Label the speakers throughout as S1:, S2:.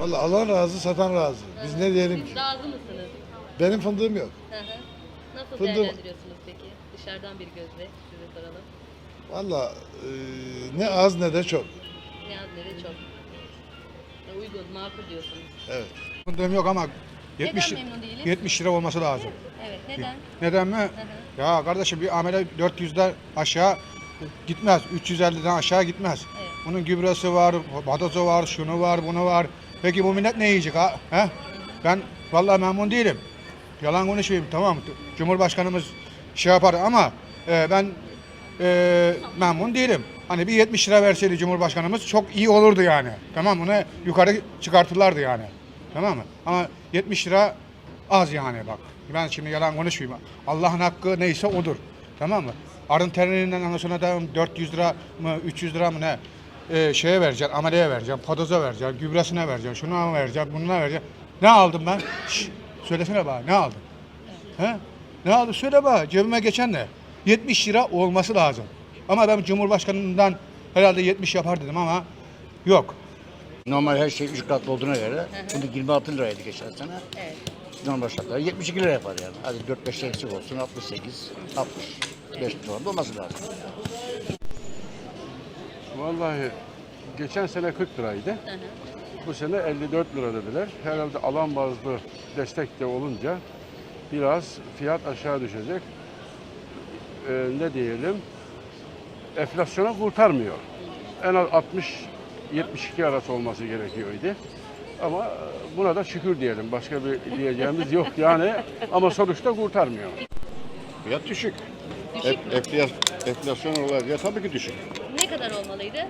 S1: Vallahi alan razı, satan razı. Biz ne diyelim ki?
S2: Siz razı mısınız?
S1: Benim fındığım yok.
S2: Hı hı. Nasıl
S1: Fındık-
S2: değerlendiriyorsunuz peki? Dışarıdan bir gözle size soralım.
S1: Vallahi ne az ne de çok.
S2: Ne az ne de çok. Uygun, makul diyorsunuz.
S1: Evet.
S3: Fındığım yok ama 70,
S2: Neden memnun değiliz?
S3: 70 lira olması lazım.
S2: Evet, neden?
S3: Neden mi? Ya kardeşim bir amele 400'den aşağı gitmez. 350'den aşağı gitmez.
S2: Evet.
S3: Bunun gübresi var, batozu var, şunu var, bunu var. Peki bu millet ne yiyecek ha? He? Ben vallahi memnun değilim. Yalan konuşmayayım, tamam. Cumhurbaşkanımız şey yapar ama ben memnun değilim. Hani bir 70 lira verseydi Cumhurbaşkanımız çok iyi olurdu yani. Tamam, bunu yukarı çıkartırlardı yani. Tamam mı? Ama 70 lira az yani bak. Ben şimdi yalan konuşmayayım. Allah'ın hakkı neyse odur. Tamam mı? Arın terininden ondan sonra da 400 lira mı 300 lira mı ne şeye vereceksin, ameleye vereceksin, padoza vereceksin, gübresine vereceksin, şuna vereceksin, bununa vereceksin. Ne aldım ben? Şşş, söylesene bana, ne aldım? He? Ne aldım? Söyle bana, cebime geçen ne? 70 lira olması lazım. Ama ben Cumhurbaşkanından herhalde 70 yapar dedim ama yok.
S4: Normal her şey 3 katlı olduğuna göre bunu 26 liraydı geçen sene.
S2: Evet.
S4: Normal şartlarda 72 lira yapar yani. Hadi 4-5 eksik olsun 68, 65 lira olması lazım.
S5: Vallahi geçen sene 40 liraydı. Bu sene 54 lira dediler. Herhalde alan bazlı destek de olunca biraz fiyat aşağı düşecek. Ne diyelim? Enflasyona kurtarmıyor. En az 60-72 arası olması gerekiyordu. Ama buna da şükür diyelim. Başka bir diyeceğimiz yok yani. Ama sonuçta kurtarmıyor.
S6: Fiyat düşük.
S2: Düşük mü?
S6: Enflasyon olarak ya tabii ki düşük.
S2: Ne kadar olmalıydı?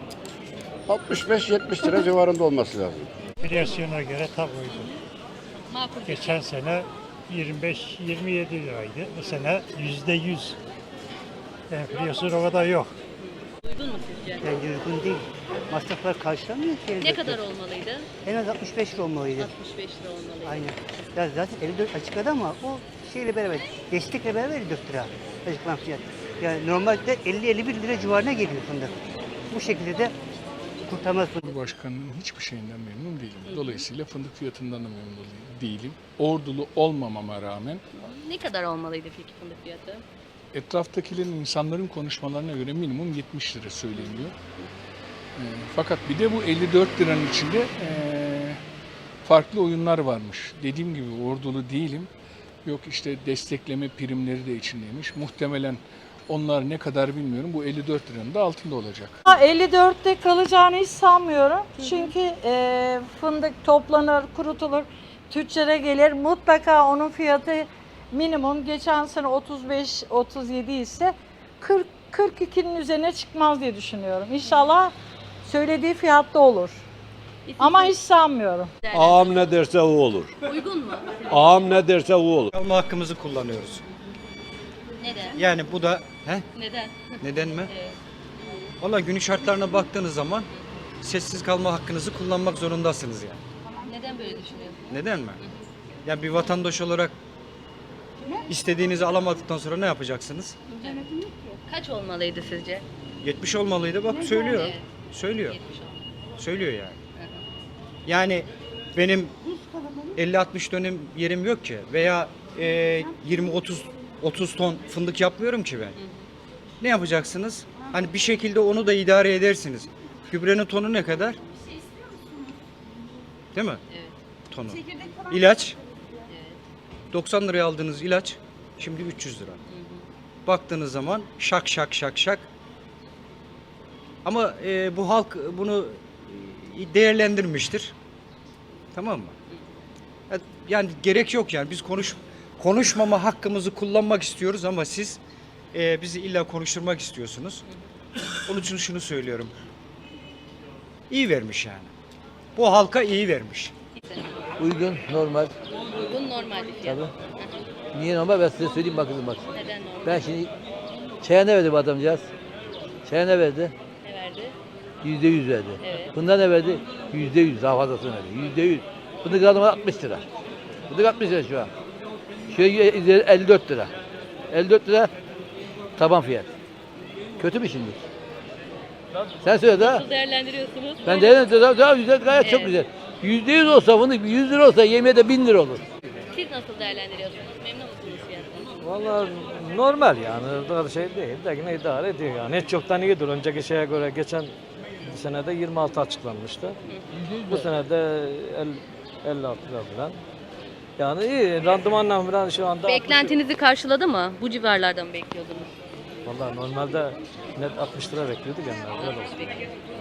S6: 65-70 lira civarında olması lazım.
S7: Enflasyona göre tam uygun.
S2: Makul.
S7: Geçen sene 25-27 liraydı. Bu sene %100. Enflasyon o kadar yok.
S2: Uygun mu sizce?
S8: Bence uygun değil. Masraflar karşılamıyor ki.
S2: Ne
S8: elbette.
S2: kadar olmalıydı?
S8: En az 65 lira olmalıydı.
S2: 65 lira olmalıydı.
S8: Aynen. Ya zaten 54 açıkladı ama o şeyle beraber, destekle beraber 54 lira açıklanan fiyat. Yani normalde 50-51 lira civarına geliyor fındık. Bu şekilde de kurtarmaz fındık.
S9: Cumhurbaşkanının hiçbir şeyinden memnun değilim. Dolayısıyla fındık fiyatından da memnun değilim. Ordulu olmamama rağmen
S2: Ne kadar olmalıydı peki fındık fiyatı?
S9: etraftakilerin, insanların konuşmalarına göre minimum 70 lira söyleniyor. Fakat bir de bu 54 liranın içinde farklı oyunlar varmış. Dediğim gibi ordulu değilim. Yok işte destekleme primleri de içindeymiş. Muhtemelen onlar ne kadar bilmiyorum. Bu 54 liranın da altında olacak.
S10: 54'te kalacağını hiç sanmıyorum. Çünkü fındık toplanır, kurutulur, tüccara gelir. Mutlaka onun fiyatı minimum geçen sene 35-37 ise 42'nin üzerine çıkmaz diye düşünüyorum. İnşallah söylediği fiyatta olur. Ama hiç sanmıyorum.
S11: Ağam ne derse o olur.
S2: Uygun mu?
S11: Ağam ne derse o olur.
S12: Alma hakkımızı kullanıyoruz.
S2: Neden?
S12: Yani bu da
S2: Neden?
S12: neden mi?
S2: Evet.
S12: Valla günün şartlarına baktığınız zaman sessiz kalma hakkınızı kullanmak zorundasınız yani.
S2: Neden böyle düşünüyorsunuz?
S12: Neden mi? Yani bir vatandaş olarak istediğinizi alamadıktan sonra ne yapacaksınız?
S2: Kaç olmalıydı sizce?
S12: 70 olmalıydı bak söylüyor.
S2: Evet.
S12: Söylüyor.
S2: 70 olmalı.
S12: Söylüyor yani. Yani benim 50-60 dönüm yerim yok ki veya 20-30 ton fındık yapmıyorum ki ben. Ne yapacaksınız? Hani bir şekilde onu da idare edersiniz. Gübrenin tonu ne kadar? Değil mi?
S2: Evet.
S12: Tonu. İlaç. 90 liraya aldığınız ilaç şimdi 300 lira. Baktığınız zaman şak şak şak şak. Ama bu halk bunu değerlendirmiştir. Tamam mı? Yani gerek yok yani biz konuşmama hakkımızı kullanmak istiyoruz ama siz bizi illa konuşturmak istiyorsunuz. Onun için şunu söylüyorum. İyi vermiş yani. Bu halka iyi vermiş.
S4: Uygun, normal.
S2: Uygun normal bir fiyat.
S4: Tabii. Niye normal? Ben size söyleyeyim bakın bak.
S2: Neden normal?
S4: Ben şimdi çaya ne verdi bu adamcağız? Çaya ne verdi?
S2: Ne verdi?
S4: %100 verdi.
S2: Evet.
S4: Bunda ne verdi? %100 daha fazlasını verdi. %100. Fındık aldım 60 lira. Fındık 60 lira şu an. Şöyle 54 lira. 54 lira taban fiyat. Kötü mü şimdi? Sen söyle daha.
S2: Nasıl değerlendiriyorsunuz?
S4: Ben değerlendiriyorum. Daha güzel, gayet çok
S2: Evet.
S4: güzel. %100 olsa fındık 100 lira olsa yemeğe de 1000 lira olur.
S2: Siz nasıl değerlendiriyorsunuz? Memnun musunuz fiyattan?
S13: Vallahi normal yani. Daha şey değil de yine idare ediyor yani. Hiç çoktan iyidir. Önceki şeye göre geçen senede 26 açıklanmıştı. Bu senede 56 lira falan. Yani iyi. Randımanla falan şu anda...
S2: Beklentinizi karşıladı mı? Bu civarlardan mı bekliyordunuz?
S13: Vallahi normalde net 60 lira bekliyorduk yani. Öyle olsun.